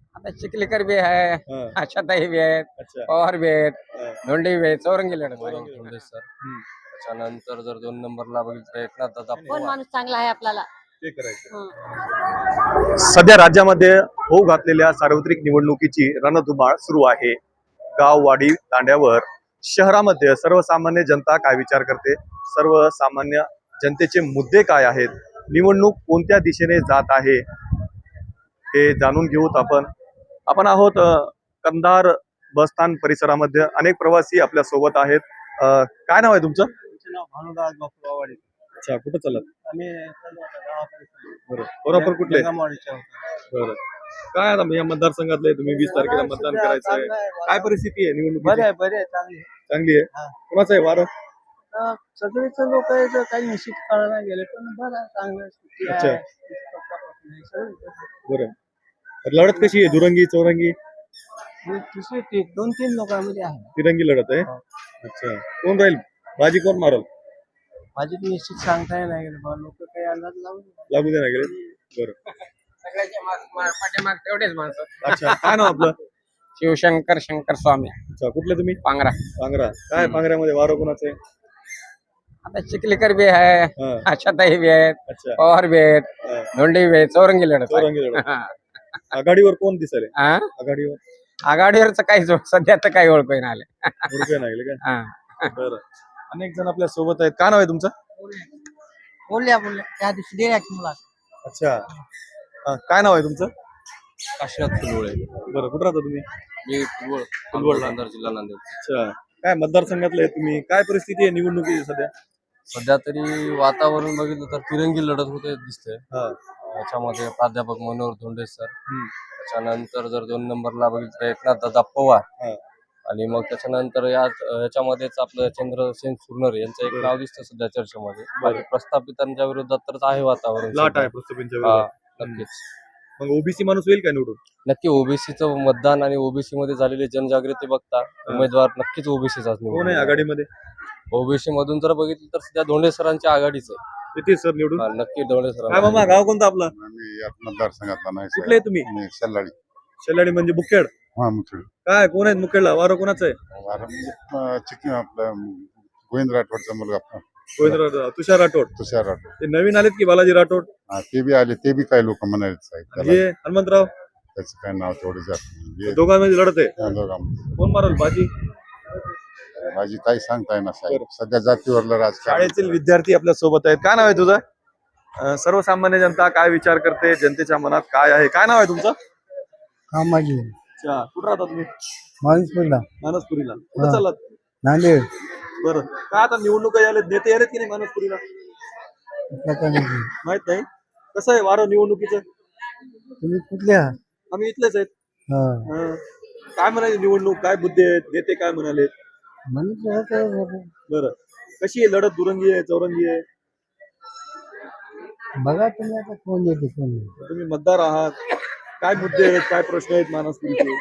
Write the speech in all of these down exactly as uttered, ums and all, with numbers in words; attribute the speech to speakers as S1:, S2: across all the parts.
S1: आता चिखलीकर भी है,
S2: हाँ,
S1: आशाताई भी आहेत,
S2: अच्छा
S1: पवार भी आहेत,
S2: हाँ,
S1: धोंडे भी आहेत, चौरंगी लढत आहे.
S2: चौरंगी लढत.
S1: धोंडे सर.
S2: हम्म,
S1: त्याच्यानंतर जर दोन नंबरला बघितलं तर एकनाथ दादा
S3: कोण
S1: पवार.
S3: माणूस चांगला आहे आपल्याला.
S2: ते करायचं.
S3: हं.
S2: सध्या राज्यामध्ये होऊ घातलेल्या सार्वत्रिक निवडणुकीची रणधुमाळ सुरू आहे. गाववाडी तांड्यावर शहरामध्ये सर्वसामान्य जनता काय विचार करते, सर्वसामान्य जनतेचे मुद्दे काय आहेत, निवडणूक कोणत्या दिशेने जात आहे हे जाणून घेऊत आपण आपण आहोत अ, कंधार बसस्थान परिसरामध्ये. अनेक प्रवासी आपल्या सोबत आहेत. अ, काय नाव आहे तुमचं?
S4: भानुदास बापू वाडी.
S2: अच्छा, कुठं चालत?
S4: आम्ही चाललो आता गावाकडे चाललो.
S2: बरं, बरोबर कुठले?
S4: जंगमवाडीच्या होतो.
S2: बरं, काय आता या मतदारसंघातले तुम्ही वीस तारखेला मतदान
S4: सध्या
S2: करायचं आहे,
S4: चांगलं आहे,
S2: काय परिस्थिती आहे निवडणूक?
S4: बरे आहे बरे आहे चांगली आहे.
S2: चांगली आहे.
S4: हा.
S2: कोणाचं आहे वारं?
S4: अं, सगळेच लोक याचं काही निश्चित करायला गेले पण बरं आहे, चांगलं आहे. सुट्टी
S2: अच्छा.
S4: आहे, किती पक्षापासून आहे, सगळं आहे.
S2: बरं, तर लढत कशी आहे? दुरंगी चौरंगी
S4: हे तिसरी ती दोन तीन लोकांमध्ये आहे.
S2: तिरंगी लढत आहे.
S4: हो.
S2: अच्छा, कोण राहील? बाजी कोण मारल?
S4: माझी ती निश्चित सांगता नाही गेलं बा लोक काही अंदाज लावून
S2: लागू दे ना गेले. बरं,
S1: सगळ्याच्या माग- माग- पाठीमाग तेवढेच माणसं.
S2: अच्छा, काय नाव आपलं?
S1: शिवशंकर शंकर स्वामी
S2: अच्छा, कुठले तुम्ही?
S1: पांगरा.
S2: पांगरा. काय पांगऱ्यामध्ये वारं कोणाचं आहे?
S1: आता चिखलीकर भी है,
S2: हा,
S1: आशाताई भी आहेत,
S2: अच्छा,
S1: पवार भी आहेत,
S2: हा,
S1: धोंडे भी आहेत, चौरंगी लढत आहे.
S2: चौरंगी लढत.
S1: हा.
S2: आघाडीवर कोण दिसेल?
S1: हा?
S2: आघाडीवर
S1: आघाडीवरच काही जो- सध्या तर काही ओळख नाही आले.
S2: रुपये नाही का?
S1: हा.
S2: बरं, अनेक जण आपल्या सोबत आहेत. काय नाव आहे तुमचं?
S4: बोलल्या बोलल्या त्या दिवशी दे मुला
S2: अच्छा, हा, काय नाव आहे तुमचं?
S1: काशीनाथ फुलवळे.
S2: बरं, कुठं राहता तुम्ही?
S1: मी फुलवळ
S2: फुलवळ.
S1: नांदेड जिल्हा नांदेड.
S2: अच्छा, काय मतदारसंघातले आहे तुम्ही? काय परिस्थिती आहे निवडणुकीची सध्या?
S1: सध्या तरी वातावरण बघितलं तर तिरंगी लढत होते दिसते.
S2: हा,
S1: याच्यामध्ये प्राध्यापक मनोहर धोंडे सर.
S2: हम्म,
S1: त्याच्यानंतर जर दोन नंबरला बघितलं तर एकनाथ दादा पवार.
S2: हा,
S1: आणि मग त्याच्यानंतर या याच्यामध्येच आपलं चंद्रसेन सुरनर यांचं एक नाव दिसतं सध्या चर्चेमध्ये. बाकी प्रस्थापितांच्या विरोधात तर आहे वातावरण
S2: लाट
S1: सध्या.
S2: आहे प्रस्थापितांच्या
S1: हा,
S2: विरोधात.
S1: नक्कीच.
S2: मग ओबीसी माणूस होईल का निवडून?
S1: नक्की ओबीसीचं मतदान आणि ओबीसी मध्ये झालेली जनजागृती बघता उमेदवार नक्कीच ओबीसीचाच
S2: कोण आहे आघाडीमध्ये?
S1: ओबीसी मधून जर बघितलं तर सध्या धोंडे सरांची आघाडीच आहे.
S2: येते सर निवडून.
S1: हा, नक्की धोंडे
S2: काय मामा,
S1: सर.
S2: गाव कोणतं आपलं?
S5: आम्ही यात मतदारसंघातला नाही
S2: कुठले आहे तुम्ही?
S5: मी सल्लाडी.
S2: शेलाडी म्हणजे मुखेड.
S5: हा मुथळ
S2: काय कोण आहेत मुखेडला? वारं कोणाचं आहे?
S5: वारं म्हणजे अं, चिकन आपलं गोविंद राठोडचा मुलगा आपला
S2: गोविंद राठोड, तुषार राठोड.
S5: तुषार राठोड.
S2: ते नवीन आलेत की बालाजी राठोड?
S5: हा, ते बी आले, ते बी काही लोक म्हणाले साहेब त्याला.
S2: हे हनुमंतराव.
S5: त्याचं काय नाव तेवढं जात नाही. हे
S2: दोघांमध्ये लढत आहे.
S5: त्या दोघांमध्ये.
S2: कोण मारल बाजी?
S5: माझी काही सांगता येणार साहेब, सध्या जातीवरलं राजकारण.
S2: शाळेतील विद्यार्थी आपल्या सोबत आहेत. काय नाव आहे तुझं? अं, सर्वसामान्य जनता काय विचार करते, जनतेच्या मनात काय आहे? काय नाव आहे तुमचं?
S4: कामाजी
S2: अच्छा, कुठं राहता तुम्ही?
S4: माणूसपुरला
S2: मानसपुरीला. कुठं
S4: हा.
S2: चाललात?
S4: नांदेड
S2: बरं, काय आता निवडणुका आलेत, नेते आलेत की नाही मानसपुरीला? माहित नाही. कसं आहे वारं निवडणुकीचं?
S4: तुम्ही कुठल्या
S2: आम्ही इथलेच आहेत. हं. काय म्हणाले निवडणूक, काय मुद्दे आहेत, नेते काय म्हणाले? बरं, कशी आहे लढत? दुरंगी आहे, चौरंगी आहे?
S4: बघा तुम्ही आता कोण येते कोण नाही.
S2: तुम्ही मतदार आहात, काय मुद्दे आहेत, काय प्रश्न आहेत मानसपुरीचे?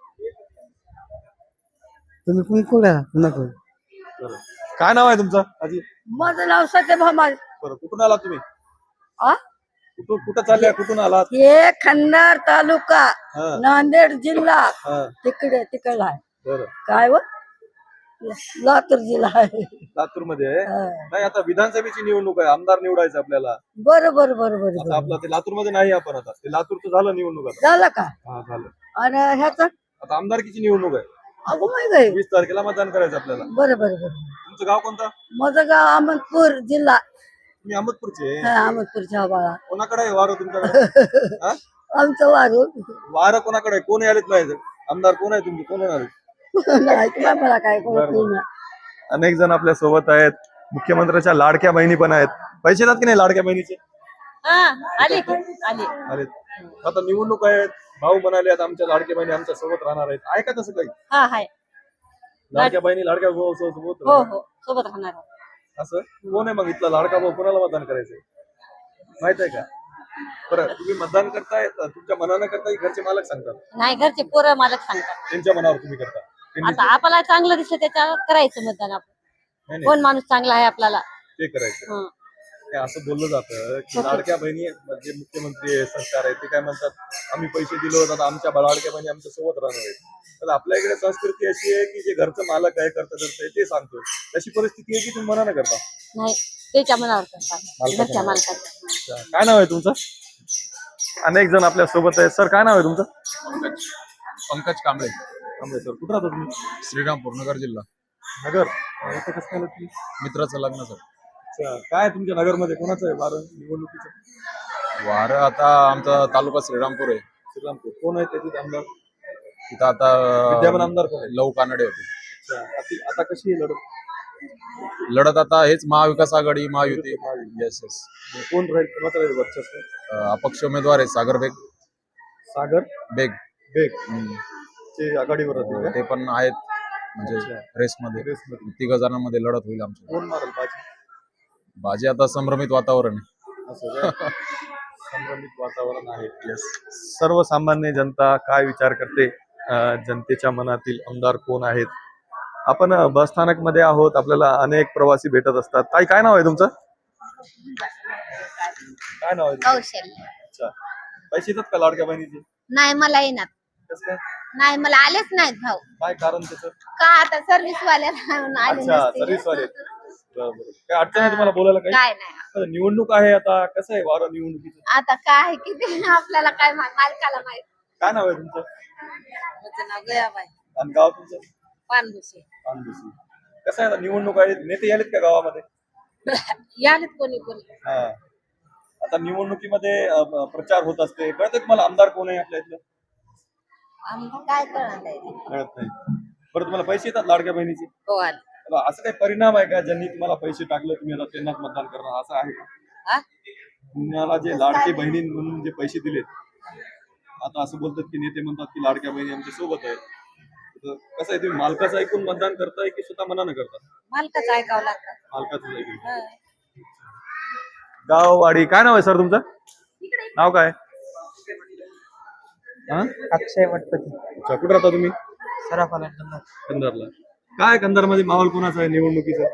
S4: तुम्ही कोण कोणा नको
S2: बरं, काय नाव आहे तुमचं आजी?
S3: माझं नाव सत्यभामा.
S2: बरं, कुठून आलात तुम्ही?
S3: आ?
S2: कुठून कुठं चालल्या, कुठून आलात?
S3: हे खन्नार तालुका
S2: हा,
S3: नांदेड जिल्हा
S2: हा,
S3: तिकडे तिकडला आहे.
S2: बरं.
S3: काय व लातूर जिल्हा आहे.
S2: लातूर मध्ये आहे?
S3: हा.
S2: नाही, आता विधानसभेची निवडणूक आहे, आमदार निवडायचं आपल्याला.
S3: बरं बरं बरं बरं
S2: आता
S3: बरं.
S2: आपलं ते लातूर मध्ये नाही, आपण आता ते लातूरचं झालं निवडणूक आता.
S3: झालं का?
S2: हा, झालं.
S3: आणि ह्याच
S2: आता आमदारकीची निवडणूक आहे.
S3: अगो माहित आहे.
S2: वीस तारखेला मतदान करायचं आपल्याला.
S3: बरं बरं बरं.
S2: तुमचं गाव कोणतं?
S3: माझं गाव अहमदपूर जिल्हा.
S2: तुम्ही अहमदपूरचे आहे?
S3: हा, अहमदपूरच्या बाळा.
S2: कोणाकडे आहे वारं तुमच्याकडे? हा?
S3: आमचं वारू
S2: वारं कोणाकडे आहे? कोण आलेत नाही आमदार? कोण आहे तुमचे? कोण होणार?
S3: नाही तुला मला काय कळत नाही.
S2: अनेक जण आपल्या सोबत आहेत. मुख्यमंत्र्याच्या लाडक्या बहिणी पण आहेत. पैसे देतात की नाही लाडक्या बहिणीचे?
S3: हा, आले आले.
S2: आले. आता निवडणूक आहेत, भाऊ म्हणाले आता आमच्या लाडक्या बहिणी आमच्या सोबत राहणार आहेत. आहे का तसं काही?
S3: हा हाय.
S2: लाडक्या बहिणी लाडक्या भाऊ सोबत
S3: हो
S2: राहणार?
S3: हो सोबत राहणार.
S2: असं कोण आहे मग इथला लाडका भाऊ? कोणाला मतदान करायचंय माहित आहे का? बरं, तुम्ही मतदान करताय तुमच्या मनानं करताय, घरचे मालक सांगतात?
S3: नाही, घरचे पोरं मालक सांगतात.
S2: त्यांच्या मनावर तुम्ही करता? त्यांनी
S3: आता आपल्याला चांगलं दिसलं त्याच्यावर करायचं मतदान. आपण
S2: नाही,
S3: कोण
S2: नाही,
S3: माणूस चांगला आहे आपल्याला.
S2: ते करायचं.
S3: हं.
S2: ते असं बोललं जातं की लाडक्या बहिणी म्हणजे मुख्यमंत्री आहे, सरकार आहे, ते काय म्हणतात आम्ही पैसे दिलो तर आमच्या लाडक्या बहिणी आमच्या सोबत राहणार आहेत. तर आपल्या इकडे संस्कृती अशी आहे की जे घरचं मालक आहे करता करता ते सांगतो. तशी परिस्थिती आहे की तुम्ही मना करता.
S3: नाही त्याच्या मनावर करतात
S2: मालकाच्या
S3: घरच्या
S2: मनावर.
S3: मालकाच्या.
S2: अच्छा. काय नाव आहे तुमचं? अनेक जण आपल्या सोबत आहे. सर काय नाव आहे तुमचं?
S6: पंकज कांबळे,
S2: थांबे सर, कुठं राहता तुम्ही?
S6: श्रीरामपूर, नगर जिल्हा.
S2: नगर. अं, इथं कसं काय आलं तुम्ही?
S6: मित्राचं लग्न सर.
S2: अच्छा. काय तुमच्या नगरमध्ये कोणाचं आहे वारं निवडणुकीचं?
S6: वारं आता आमचा तालुका श्रीरामपूर आहे.
S2: श्रीरामपूर. कोण आहे त्याचे आमदार?
S6: तिथं आता
S2: विद्यमान आमदार कोण आहे?
S6: लव कानडे होते.
S2: अच्छा. आता- आता कशी आहे लढत?
S6: लढत आता हेच महाविकास आघाडी, महायुती. Yes yes.
S2: कोण राहील, कोणाचं राहील वर्चस्व?
S6: अपक्ष उमेदवार आहे सागर बेग.
S2: सागर
S6: बेग
S2: बेग
S6: हम्म.
S2: चे आघाडीवर राहतील का?
S6: ते पण आहेत म्हणजे रेसमध्ये.
S2: रेसमध्ये.
S6: तिघ जणांमध्ये लढत होईल आमची.
S2: कोण मारेल बाजी?
S6: बाजी आता संभ्रमित वातावरण आहे.
S2: असं काय? संभ्रमित वातावरण आहे. येस. सर्वसामान्य जनता काय विचार करते? अं, जनतेच्या मनातील आमदार कोण आहेत? आपण अं, बस स्थानक मध्ये आहोत. आपल्याला अनेक प्रवासी भेटत असतात. ताई काय नाव आहे तुमचं? काय नाव आहे तुमचं?
S7: कौशल्य.
S2: अच्छा. पैसे येतात का लाडक्या बहिणीचे?
S7: नाही मला येणार
S2: कसं काय?
S7: नाही मला आलेच नाहीत भाऊ.
S2: काय कारण त्याचं?
S7: का आता सर्व्हिस वाल्याला आले
S2: अच्छा,
S7: नसतील.
S2: सर्व्हिस वाले. बरोबर. काय अडचण आहे तुम्हाला बोलायला काही?
S7: काय नाही
S2: आता निवडणूक आहे, आता कसं आहे वारं निवडणुकीचं?
S7: आता काय किती आपल्याला काय मा- मालकाला माहित.
S2: काय नाव आहे तुमचं?
S3: माझं नाव गयाबाई
S2: आणि गाव तुमचं?
S3: पानभुसे.
S2: पानभुसी. कसं आहे आता निवडणूक आहे, नेते यालेत का गावामध्ये?
S3: यालेत कोणी कोणी.
S2: हा. आता निवडणुकीमध्ये अ, ब- प्रचार होत असते. कळतं का मला आमदार कोण आहे आपल्या इथलं?
S3: आम्हाला
S7: काय करणार आहे?
S2: कळत नाही. बरं, तुम्हाला पैसे येतात लाडक्या बहिणीचे?
S3: हो आले.
S2: आता असं काही परिणाम आहे का ज्यांनी तुम्हाला पैसे टाकले तुम्ही आता त्यांनाच मतदान करणार असं आहे का?
S3: हा?
S2: तुम्हाला जे लाडके बहिणी म्हणून जे पैसे दिलेत, आता असं बोलतात की नेते म्हणतात की लाडक्या बहिणी आमच्या सोबत आहेत. तर कसं आहे, तुम्ही मालकाचं ऐकून मतदान करताय की स्वतः मनानं करता?
S3: मालकाचं ऐकावं लागतं.
S2: मालकाचं ऐकून.
S3: हा.
S2: गाववाडी. काय नाव आहे सर तुमचं? नाव काय? हा?
S4: अक्षय वटपती.
S2: अच्छा. कुठं राहता तुम्ही?
S4: सराफाला
S2: कंधारला. काय कंधारमध्ये माहोल कोणाचा आहे निवडणुकीचा?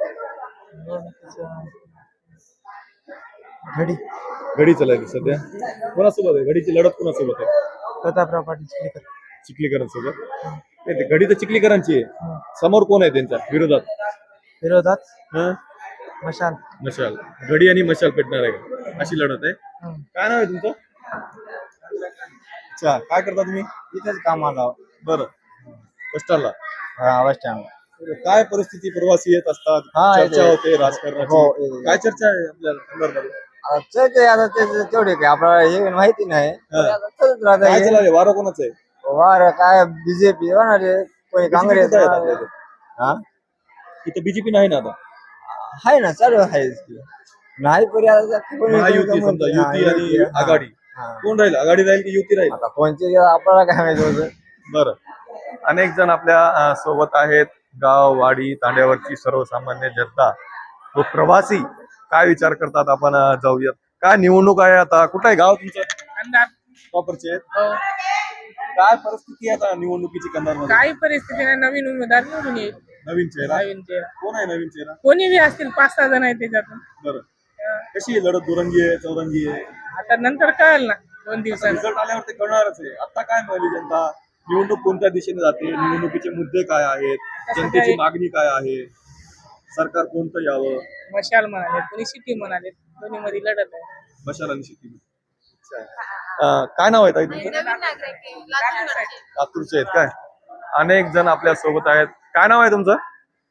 S4: घडी
S2: घडी चालायची सध्या. कोणासोबत आहे घडीची लढत? कोणासोबत आहे?
S4: प्रतापराव पाटील चिखलीकर.
S2: चिखलीकरांसोबत. नाही, ते घडी तर चिखलीकरांची आहे. समोर कोण आहे त्यांच्या विरोधात?
S4: विरोधात
S2: हं?
S4: मशाल.
S2: मशाल. घडी आणि मशाल पेटणार आहे का? अशी लढत आहे. काय नाव आहे तुमचं? अच्छा. काय करता तुम्ही?
S4: इथेच कामाला.
S2: बरं. बसस्टँडला.
S4: हा बस स्टँड.
S2: काय परिस्थिती, प्रवासी येत असतात,
S4: हा,
S2: चर्चा
S4: येते.
S2: होते राजकारणाची.
S4: हो, येते.
S2: काय चर्चा आहे आपल्या कंधारमध्ये?
S4: ते आता ते तेवढे काय आपल्याला हे माहिती नाही.
S2: हा.
S4: चालत राहतं
S2: काय
S4: हे.
S2: चालू वारं कोणाचं आहे?
S4: वार काय बीजेपी होणार आहे, कोणी काँग्रेस
S2: कुठं आहेत
S4: होणार
S2: आपल्या
S4: आहे.
S2: इथे?
S4: हा
S2: इथे बीजेपी नाही ना आता.
S4: आहे ना, चालू आहे नाही पर्याय कोणी-
S2: महायुती समजा,
S4: हा,
S2: युती आणि
S4: युती, हा.
S2: आघाडी.
S4: हा.
S2: कोण राहील? आघाडी राहील की युती राहील?
S4: आता कोणचे आपल्याला काय माहिती होतं.
S2: बरं. अनेक जण आपल्या अ, सोबत आहेत. गाव वाडी तांड्यावरची सर्वसामान्य जनता व प्रवासी काय विचार करतात आपण अ, जाऊयात. काय निवडणूक आहे आता? कुठं आहे गाव तुमचं? प्रॉपरचे आहेत. काय परिस्थिती आहे आता निवडणुकीची कंधारमध्ये?
S8: काही परिस्थिती नाही, नवीन उमेदवार निवडून येईल.
S2: नवीन चेहरा.
S8: नवीन चेहरा
S2: कोण आहे नवीन चेहरा?
S8: कोणी बी असतील, पाच सहा जण आहेत त्याच्यातून.
S2: बरं. कशी आहे लढत? दुरंगी आहे, चौरंगी आहे?
S8: आता नंतर कळेल ना दोन दिवसांनी.
S2: रिझल्ट आल्यावर ते कळणारच आहे. आता काय मिळाली जनता? निवडणूक कोणत्या दिशेने जाते? निवडणुकीचे मुद्दे काय आहेत? जनतेची
S8: काही-
S2: मागणी काय आहे? सरकार कोणतं यावं?
S8: मशाल म्हणाले, कोणी सिटी म्हणाले, दोन्ही मध्ये लढत आहे.
S2: मशाल आणि शेती. अं, काय नाव आहे ताई तुमचं?
S7: नवीन नागरिक आहे, लातूरकडचे.
S2: लातूरचे आहेत काय? अनेक जण आपल्या सोबत आहेत. काय नाव आहे तुमचं?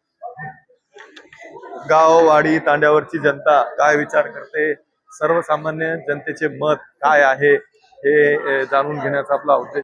S2: गाव वाडी तांड्यावरची जनता काय विचार करते? सर्वसामान्य जनतेचे मत काय आहे हे अ, जाणून घेण्याचा आपला उद्देश